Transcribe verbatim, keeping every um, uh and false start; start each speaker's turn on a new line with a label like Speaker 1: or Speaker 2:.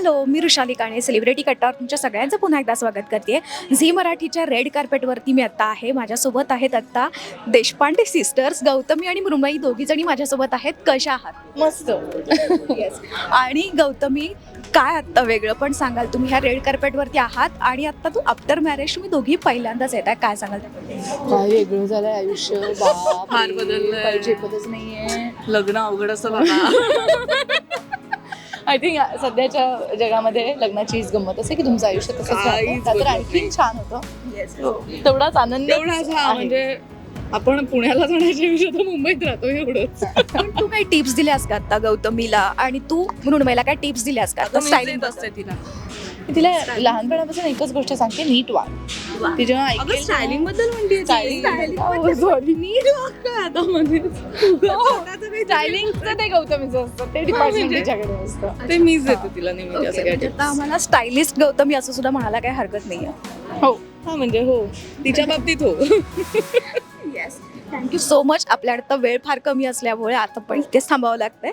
Speaker 1: Hello, मी Rishali Kane, celebrity कट्टावर तुमच्या सगळ्यांचं पुन्हा एकदा स्वागत करते. झी मराठीच्या रेड कार्पेटवरती मी आत्ता आहे. माझ्यासोबत आहेत आत्ता देशपांडे सिस्टर्स, गौतमी आणि मृण्मयी दोघीजणी माझ्यासोबत आहेत. कशा आहात?
Speaker 2: मस्त.
Speaker 1: येस. आणि गौतमी, काय आत्ता वेगळं पण सांगाल तुम्ही ह्या रेड कार्पेटवरती आहात आणि आत्ता तू आफ्टर मॅरेज तुम्ही दोघी पहिल्यांदाच येत आहे, काय सांगाल त्याबद्दल?
Speaker 2: काय वेगळं झालंय आयुष्य, बाप
Speaker 3: फार
Speaker 2: रे,
Speaker 3: बदललंय.
Speaker 2: काही झेपतच नाहीये.
Speaker 3: लग्न अवघड असं बाबा.
Speaker 2: आय थिंक सध्याच्या जगामध्ये लग्नाची हीच गंमत असते की तुमचं आयुष्य तसंच
Speaker 3: काहीच
Speaker 2: राहतं. का तर
Speaker 3: बदलत
Speaker 2: आणखीन
Speaker 3: नाही.
Speaker 2: छान होतं.
Speaker 1: येस.
Speaker 2: तेवढाच आनंद
Speaker 3: एवढाच हा म्हणजे आपण पुण्याला जाण्याच्या विषय तर मुंबईत राहतो एवढंच.
Speaker 1: पण तू काही टिप्स दिल्यास का आत्ता गौतमीला, आणि तू मृण्मयीला काय टिप्स दिल्यास का आता स्टायलिंग
Speaker 3: असते तिला.
Speaker 2: मी तिला लहानपणापासून एकच गोष्ट सांगते, नीट वाग. ती जेव्हा
Speaker 3: अगं
Speaker 2: ऐकेल
Speaker 3: स्टायलिंग बद्दल म्हणते
Speaker 2: स्टायलिंगचं ते गौतमीचं असतं, ते डिपार्टमेंट तिच्याकडे असतं.
Speaker 3: ते मीच देते तिला नेहमी
Speaker 1: ओके,
Speaker 3: असं
Speaker 1: म्हणजे
Speaker 3: काय
Speaker 1: आता आम्हाला स्टायलिस्ट गौतमी असं सुद्धा म्हणायला काही हरकत नाही आहे.
Speaker 2: हो.
Speaker 3: हा म्हणजे हो, तिच्या बाबतीत हो.
Speaker 1: Yes, thank you so much. आपल्याकडे तर वेळ फार कमी असल्यामुळे आता पण इथेच थांबावं लागतंय.